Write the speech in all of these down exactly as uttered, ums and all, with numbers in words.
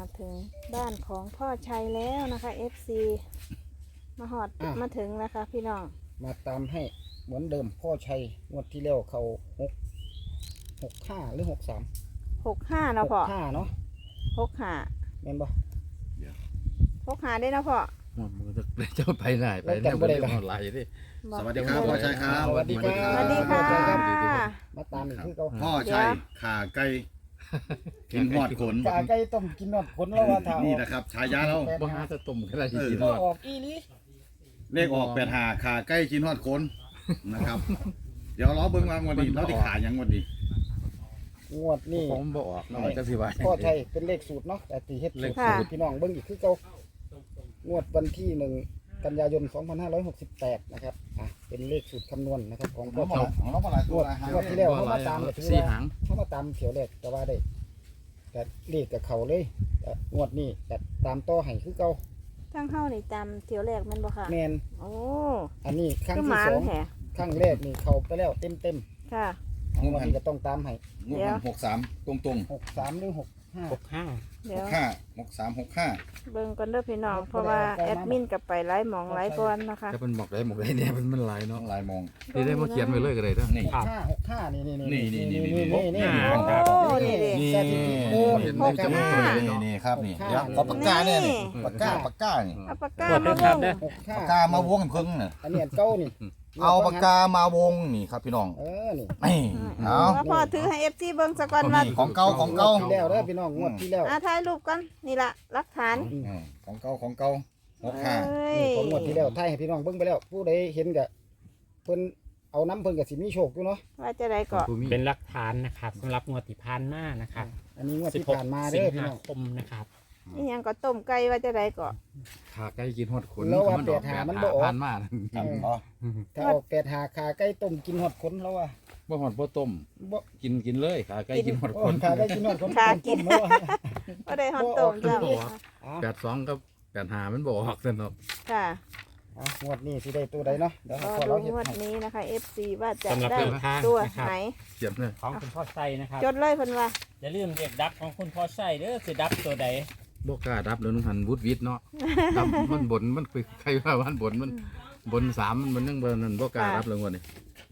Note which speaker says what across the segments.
Speaker 1: มาถึงบ้านของพ่อชัยแล้วนะคะ เอฟ ซี มาหอดมาถึงนะคะพี่น้อง
Speaker 2: มาตามให้เหมือนเดิมพ่อชัยงวดที่แล้วเขาหกหกห้าหรือหกสาม
Speaker 1: หกห้าเนาะพ่อ
Speaker 2: หกห้าเนาะ
Speaker 1: หกห้า
Speaker 2: แม่นบ่
Speaker 1: หกห้าได้เนาะพ่อ
Speaker 3: มันจะเจ้าไปไหนไปเนี่ยบริษัทออนไลน์ดิ
Speaker 4: สวัสดีครับพ่อชัยครับ
Speaker 2: สวัสดีครับ
Speaker 1: สวัสดีค่ะ
Speaker 2: มาตามอีกคือเขา
Speaker 4: พ่อชัยขาไก่กินหอดขน
Speaker 2: กาไก่ต้มกินนอดผลแล้วว่าถ้านี่
Speaker 4: นะครับฉายาเรา
Speaker 3: บ้าจะตุ่มก็ได้จริง
Speaker 2: ออกอีนี้
Speaker 4: เลขออกแปดหาขาไก่กินหอดขนนะครับเดี๋ยวล้อเบิ้งวางวันนี้เราที่ขายังวันนี้
Speaker 2: งวดนี่
Speaker 3: ผมบอกน้องจะสิว่า
Speaker 2: พ่อชัยเป็นเลขสูตรเนาะแต่ตีเฮ็ดสูตรพี่น้องเบิ้งอีกคือเขางวดวันที่หนึ่งกันยายนสองพันห้าร้อยหกสิบแปดนะครับอ่ะเป็นเลขสูตรคำนวณนะครับของพ่อชัยงวดงวดที่แล้วเขามาตามก็ถือว่าเขามาตามเขียวแรกแต่ว่าได้แต่เลขกับเขาเลยแต่งวดนี้แต่ตามต่อให้คือเก่า
Speaker 1: ทั้งเข้านี่จำเที่ยวแรกมันบ่ค่ะ
Speaker 2: แมน
Speaker 1: โอ้
Speaker 2: อันนี้ครั้งที่สองครั้งแรกนี่เขาไปแล้วเต็มเต็ม
Speaker 1: ค่ะ
Speaker 2: งวดนี้ก็ต้องตามให้
Speaker 4: งวดมันหกสามตรงตรง
Speaker 2: หกสามหรือหกห้า
Speaker 3: หกห้า
Speaker 4: หกห้าหกสามหกห้า
Speaker 1: เบิ่งกันเด้อพี่น้องเพราะว่าแอดมินกับไปไล่หมองไล่บอลนะคะ
Speaker 3: แต่มันบอกได้หมดเลยเนี่ยมันมันลายเนาะ
Speaker 4: ลายมอง
Speaker 3: นี่ได้มาเขียนไว้เลยก็ได้เนาะ
Speaker 4: นี่
Speaker 2: ห้าหกห้านี่นี่นี่
Speaker 4: นี่นี่นี่
Speaker 2: นี่นี่นี่
Speaker 1: นี่
Speaker 4: นี่
Speaker 1: หกห้า
Speaker 4: นี่ครับนี่เดี๋ยวขอปากกาเนี่ยนี่ปากกาปากกานี่
Speaker 1: เอาปากกามาวง
Speaker 4: ปากกามาวงเพิ่งเนี่ย
Speaker 2: อันนี้เก้านี่
Speaker 4: เอาปากกามาวงนี่ครับพี่น้อง
Speaker 2: เออนี่
Speaker 4: นี่เอา
Speaker 1: แล้วพอถือให้ เอฟ ซี เบิ่งซะก่อนว่า
Speaker 4: ของเก่าของเก่า
Speaker 2: ที่แล้วเด้อพี่น้องงวดที่แล้ว
Speaker 1: อ่ะถ่ายรูปกันนี่ล่ะหลักฐาน
Speaker 4: ของเก่าของเก่าหกห้า
Speaker 2: นี่ของงวดที่แล้วถ่ายให้พี่น้องเบิ่งไปแล้วผู้ใดเห็นก็เพิ่นเอาน้ำเพิ่นก็สิมีโชคอยู่เนาะ
Speaker 1: ว่าจะได้ก็
Speaker 5: เป็นหลักฐานนะครับสำหรับงวดที่ผ่านมานะครับ
Speaker 2: อันนี้งวดที่ผ่านมาเด้อพี่น้อง
Speaker 5: คมนะครับ
Speaker 1: นี่ยังก็ต้มไก่ว่าจะได้ก็
Speaker 3: ขาไก่กินหอดขน
Speaker 2: แล้วว่าแปดหามันบ่ออก
Speaker 3: ผ่านมา
Speaker 2: ถ้าออกแปดหาขาไก่ต้มกินหอดขนแล้วว่า
Speaker 3: บ่หอดบ่ต้มกินกินเลยขาไก่กินหอดขน
Speaker 2: ขาไก่กินหอดขน
Speaker 1: ขากินก็ได้หอดต้มจ้ะ
Speaker 3: แปดสองกับแปดหามันบ่ออกสนุก
Speaker 1: ค่ะ
Speaker 2: งวดนี้สิได้ตัวใดเนาะ
Speaker 1: เดี๋ยวพอเราเห็นงวดนี้นะคะ เอฟ ซี ว่าจะได้ตัวไหน
Speaker 3: เขียนเลย
Speaker 5: ของคุณพ่อไส้นะครับ
Speaker 1: จดเลยเพิ่นว่า
Speaker 5: อย่าลืมเรียกดับของคุณพ่อไส้เด้อคือดับตัวใด
Speaker 3: บ่กล้าดับแล้วนุ่งหันวุดวิดเนาะดับมันบนมันใครว่ามันบนมันบนสามมันยังบนนั่นบ่กล้าดับเลยวันนี้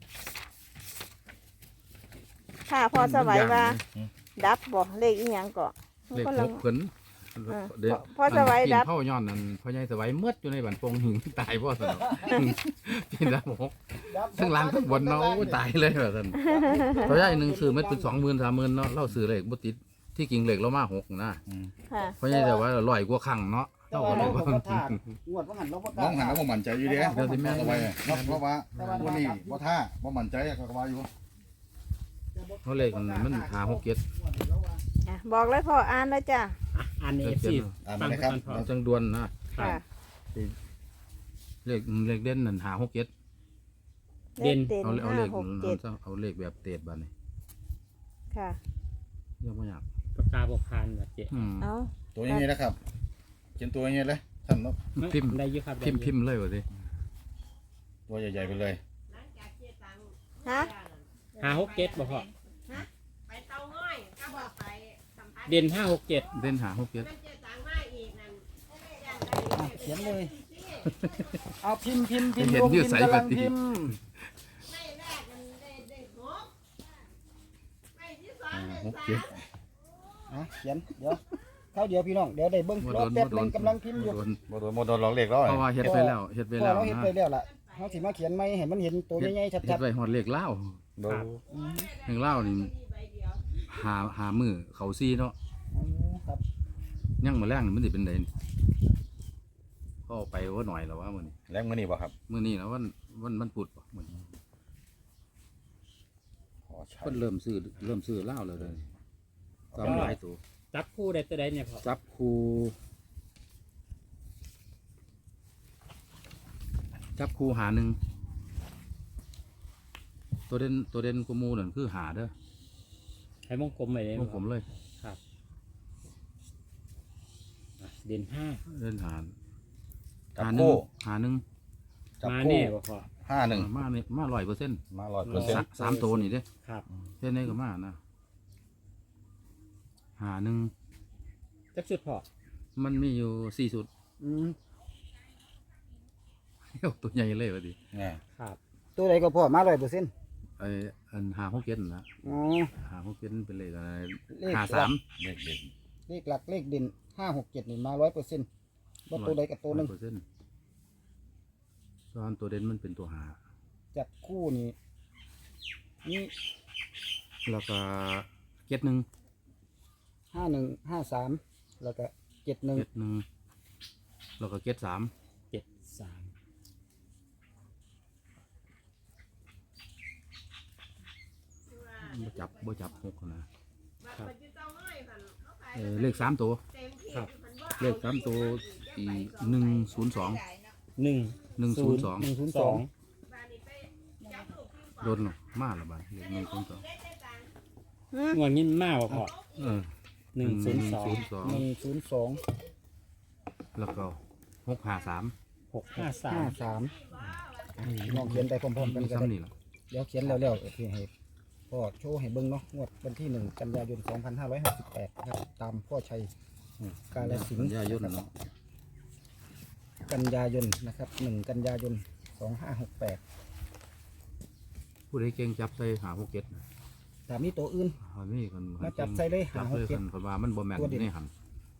Speaker 1: ค่ะพอสบายว่าดับบ่เลขอีหยังก็
Speaker 3: เลขหกเพิ่น
Speaker 1: เดี๋ยวพอสบายดับ
Speaker 3: พ่อย้อนนั่นพ่อใหญ่สบายเมื่ออยู่ในบันปงหิงตายพ่อสนอกินดับหกทั้งหลังทั้งบนเนาะตายเลยแบบนั้นพ่อใหญ่หนึ่งซื้อเม็ดเป็นสองหมื่นสามหมื่นเนาะเล่าซื้อเลขบ่ติดที่กิ่งเหล็กเรามาหกนะเพราะงั้นแต่ว่าลอยกว่าขังเนาะ
Speaker 2: เท่ากันเลยว่างวดว่าหันเราก็
Speaker 4: น้องหันแล้วบ่มั่นใจอยู่เด้เดี๋ยวสิแม่เอาไว้เพราะว่าวันนี้บ่ท่าบ่มั่นใจก็ว่าอยู่
Speaker 3: เขาเลขมันหาหกเจ็ด
Speaker 1: บอกเลยพ่ออ่านแล้วจ้ะ
Speaker 5: อ่านเอฟซี
Speaker 4: อ่านมาเลยครับ
Speaker 3: จังดวนนะเลขเลขเด่นนั่นหาหกเจ็ด
Speaker 1: เด่น
Speaker 3: เอาเอาเลขเอาเลขแบบเตดบ้านนี่
Speaker 1: ค่ะ
Speaker 3: ยังไม่อยาก
Speaker 5: ปากกาบกพานแบบเจ๊
Speaker 1: เอา
Speaker 4: ตัวนี้นะครับเขียนตัวนี้เลยท่านเนาะ
Speaker 3: พิมพ์ได้เยอะครับพิมพ์พิมพ์เลยวะสิ
Speaker 4: ตัวใหญ่ๆไปเลย
Speaker 1: ฮะ
Speaker 5: ห้าหกเจ็ดบอกพ่อเด่นห้าหกเจ็ด
Speaker 3: เด่นหาหกเจ็ด
Speaker 2: เขียนเลยเอาพิมพ์พิมพ์พิมพ์รวมพิมพ์กำลังพิมพ์
Speaker 3: หกเจ็ด
Speaker 2: เขียนเดี๋ยวเข้าเดี๋ยวพี่น้องเดี๋ยวได้เบิ้งรอแป๊บนึงกำลังพิมพ์อยู่
Speaker 4: โมโดนโมโดนหลอกเลขแล้ว
Speaker 3: เพราะว่าเฮ็ดไปแล้วเฮ็ดไปแล้ว
Speaker 2: เราเฮ็ดไปแล้วล่ะเขาสิมาเขียนไม่เห็นมันเห็นตัวใหญ่ๆชัดๆ
Speaker 3: เฮ็ดไปหอดเลขเล่าเลขเล่านี่หาหามือเขาซีเนาะยังมาแรงมันสิเป็นไดก็ไปว่าหน่อยแล้วว่ามื้อนี้
Speaker 4: แรงมื้อนี้บ่ครับ
Speaker 3: มื้อนี้แล้ววันวันมันปุดบ่มื้อนี้เพิ่นเริ่มซื้อเริ่มซื้อเล่าแล้วเลยตามหลายตัว
Speaker 5: จับคู่ได้ตัวใดเนี่ยพ่อ
Speaker 3: จับคู่จับคู่หาหนึ่งตัวเด่นตัวเด่นกูมูนั่นคือหาเด้อ
Speaker 5: ให้มงกลมไปเลยว
Speaker 3: งกลมเลย
Speaker 5: ครับเด่นห้า
Speaker 3: เด่นหา
Speaker 4: หาหนึ่ง
Speaker 3: หาหนึ่ง
Speaker 5: มาแน่บ่พ่อ
Speaker 4: ห้าหนึ่ง
Speaker 3: มาเนี่ยมาร้อยเปอร์เซ็นต์
Speaker 4: มาร้อยเปอร์เซ็นต์
Speaker 3: สามตัวนี่เด้
Speaker 5: ครับ
Speaker 3: เส้นนี้ก็มานะหาหนึ่ง
Speaker 5: จะจักสุดพ่อ
Speaker 3: มันมีอยู่สี่สุด
Speaker 2: อืม
Speaker 3: เอ้าตัวใหญ่เลยวะดิ
Speaker 4: อ่า
Speaker 5: ครับ
Speaker 2: ตัวใดก็พอมาร้อยเปอร์เซ็นต์
Speaker 3: ไออันหาหกเจ็ดนะ
Speaker 2: อ๋อ
Speaker 3: หาหกเจ็ดเป็นเลขอะไร
Speaker 2: เลข
Speaker 3: หาสาม
Speaker 4: เด็กเด็ก
Speaker 2: เลขหลักเลขเด่นห้าหกเจ็ดนี่มาร้อยเปอร์เซ็นต์ว่าตัวใดกับตัวหนึ่ง
Speaker 3: เปอร์เซ็นต์ตอนตัวเด่นมันเป็นตัวหา
Speaker 2: จับคู่นี่นี่
Speaker 3: แล้วก็เจ็ดหนึ่ง
Speaker 2: ห้าหนึ่งห้าสามแล้วก็เจ็ดหนึ่ง
Speaker 3: เจ็ดหนึ่งแล้วก็เจ็ดสาม
Speaker 5: เจ็ดสาม
Speaker 3: บ่จับบ่จับหกนะเออเลขสามตัว
Speaker 5: ครับ
Speaker 3: เลขสามตัวอีหนึ่งศูนย์สอง
Speaker 5: หนึ่ง
Speaker 3: หนึ่งศูนย์สอง
Speaker 2: หนึ่งศูนย์
Speaker 5: ส
Speaker 2: ส
Speaker 5: อ
Speaker 2: อง ง
Speaker 3: โดนหรอมาละบาทเลขหนึ่งศูนย์สอง
Speaker 5: งวดนี้มากบ่พ่อ
Speaker 3: เออ
Speaker 5: หนึ่งศูนย์สอง
Speaker 3: สอง
Speaker 2: หนึ่งศูนย์สอง
Speaker 3: แล้วก็หกหาสาม
Speaker 5: หกห้าสา
Speaker 2: ห้าม สามลองเขียนไปพร้อมๆกัน
Speaker 3: มี
Speaker 2: ก็ได้
Speaker 3: ซ้ำนี่แหละ
Speaker 2: เดี๋ยวเขียนแล้วๆที่ให้พ่อโชว์ให้เบิ้งเนาะงวดวันที่หนึ่งกันยายนสองพันห้าร้อยหกสิบแปดนะครับตามพ่อชัยกาลสินธุ์
Speaker 3: ยายนเนาะ
Speaker 2: กันยายนนะครับหนึ่งกันยายนสองห้าหกแปด
Speaker 3: ผู้ใดเก่งจับใส่หาหกเจ็ดนะ
Speaker 2: แต่มีตัวอื่น
Speaker 3: อันนี้คน
Speaker 2: มาจับใส่เลย
Speaker 3: จับ
Speaker 2: หาห
Speaker 3: เล
Speaker 2: ก
Speaker 3: ย
Speaker 2: เจ็
Speaker 3: ค
Speaker 2: ด
Speaker 3: นคนว่ามันบ่แม่น
Speaker 2: ตัวเด่น
Speaker 3: ในหัน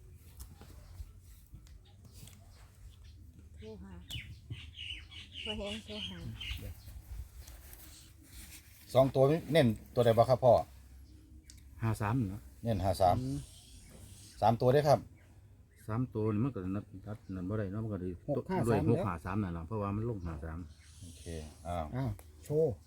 Speaker 1: โทรหาพอเห็นโทรหา
Speaker 4: สองตัวเน้นตัวใดบ้างครับพ่อ
Speaker 3: หาสามเนาะ
Speaker 4: เน้นหาสามสามตัวได้ครับ
Speaker 3: สามตัวนี่มันก็นัดนัดนั่นบ่ได้เนาะมันก็ดีด้วยหกหาสามนั่นแหละเพราะว่ามันลงหาสาม
Speaker 4: โอเคอ้าว
Speaker 2: อ้าวโชว์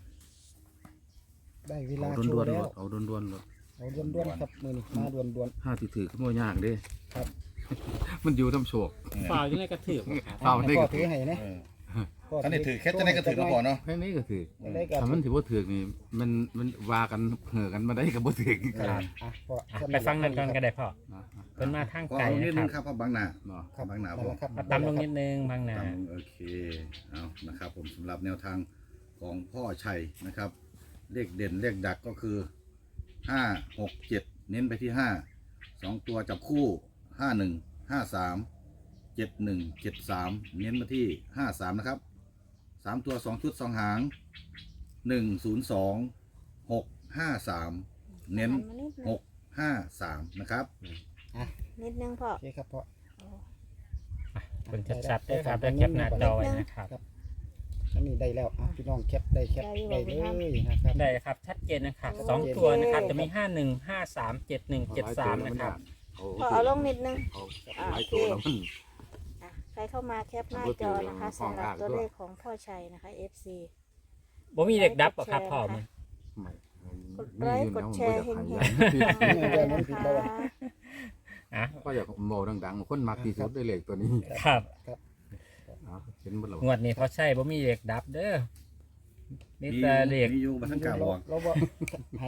Speaker 2: ได้เวลา
Speaker 3: เอา
Speaker 2: โช
Speaker 3: ด้วน
Speaker 2: ว์
Speaker 3: ๆ
Speaker 2: แล้
Speaker 3: ร
Speaker 2: ว
Speaker 3: ถเอาด้วนๆรถ
Speaker 2: เอาด้วนๆครับมือนี่มาด้วน
Speaker 3: ห้าติถือขึ้นมายากเด้
Speaker 2: ครับ
Speaker 3: มันอยู่น้ำโชก
Speaker 5: ฝ่าวยังไงกระถือบ่ครับ
Speaker 2: ๆ
Speaker 3: เอา
Speaker 2: ให้
Speaker 3: ได้
Speaker 2: พ่อ
Speaker 3: ก็
Speaker 2: ถือให้นะ
Speaker 4: เออ
Speaker 2: พ่
Speaker 4: อันนี้ถือแค่จะได้ก็ถือนะพ่อเนาะ
Speaker 3: แค่นี้ก็ถือ
Speaker 2: จะได้กับ
Speaker 3: ถ้ามันถือว่าถือนี่มันมันว่ากันเหือกันมาได้กับบ่ถือ
Speaker 2: อ่ะพ่อ
Speaker 5: อ่ะไปฟังนั่นก่อนก็ได้พ่อ
Speaker 3: นะ
Speaker 5: เป็นมาทาง
Speaker 4: ก็
Speaker 5: ไกล
Speaker 4: เอานิดนึ
Speaker 5: นะ
Speaker 4: ง
Speaker 5: ค
Speaker 4: ค
Speaker 5: รั
Speaker 4: รั
Speaker 5: บบ
Speaker 4: เพราะบางหนา
Speaker 3: เนาะ
Speaker 2: ครับ
Speaker 4: บางหนา
Speaker 2: นั่นแหละครับ
Speaker 5: มาตำลงนิดนึงบางนา
Speaker 4: ตามโอเคเอานะครับผมสำหรับแนวทางของพ่อชัยนะครับ เลขเด่นเลขดักก็คือห้าหกเจ็ดเน้นไปที่ห้าสองตัวจับคู่ห้าหนึ่งห้าสามเจ็ดหนึ่งเจ็ดสามเน้นมาที่ห้าสามนะครับสามตัวสองชุดสองหางหนึ่งศูนย์สองหกห้าสามเน้น
Speaker 1: หัมานิดนึ
Speaker 4: ห
Speaker 1: ง
Speaker 4: กห้าสามนะครับ
Speaker 1: นิดนึงพ่อ
Speaker 2: โอเคครับพ่อ
Speaker 5: เป็นชัดๆด้วยครับแล้วแคปหน้าจอไว้นะครับ
Speaker 2: อันนี้ได้แล้วอ่ะพี่น้องแคปได้แคปได้เลยนะครับ
Speaker 5: ได้ครับชัดเจนนะครับสองตัวนะครับจะมีห้าหนึ่งห้าสามเจ็ดหนึ่งเจ็ดสามนะครับ
Speaker 1: พอเอาลงนิดนึง
Speaker 3: เอาหลายตัวแล้วมัน
Speaker 1: อ่ะใครเข้ามาแคปหน้าจอนะคะสำหรับตัวเลขของพ่อชัยนะคะ เอฟ ซี
Speaker 5: บ่มีเด็กดับหรอครับพ่อมึง
Speaker 3: ไม่
Speaker 1: กดไลค์กดแชร์เฮงๆ
Speaker 3: ๆ
Speaker 1: นะคะ
Speaker 5: อ่ะ
Speaker 3: ก็อยากโมดังๆคนมักที่สุดได้เลขตัวนี้
Speaker 5: ครับ
Speaker 3: เอาเห็นบ่ล่ะ
Speaker 5: งวดนี้พอใช่บ่มีเด็กดับเด้อมี
Speaker 4: มี
Speaker 5: แต่เด็ก
Speaker 4: มีอยู่บันทังกล่าวบอก
Speaker 2: เราบอกให้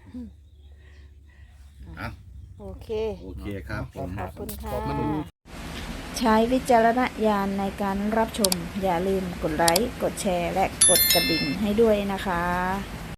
Speaker 4: อ่ะ
Speaker 1: โอเค
Speaker 4: โอเคครับผม
Speaker 1: ขอบคุณค่ะ
Speaker 3: มัน
Speaker 1: ใช้วิจารณญาณในการรับชม อย่าลืมกดไลค์ กดแชร์ และกดกระดิ่งให้ด้วยนะคะ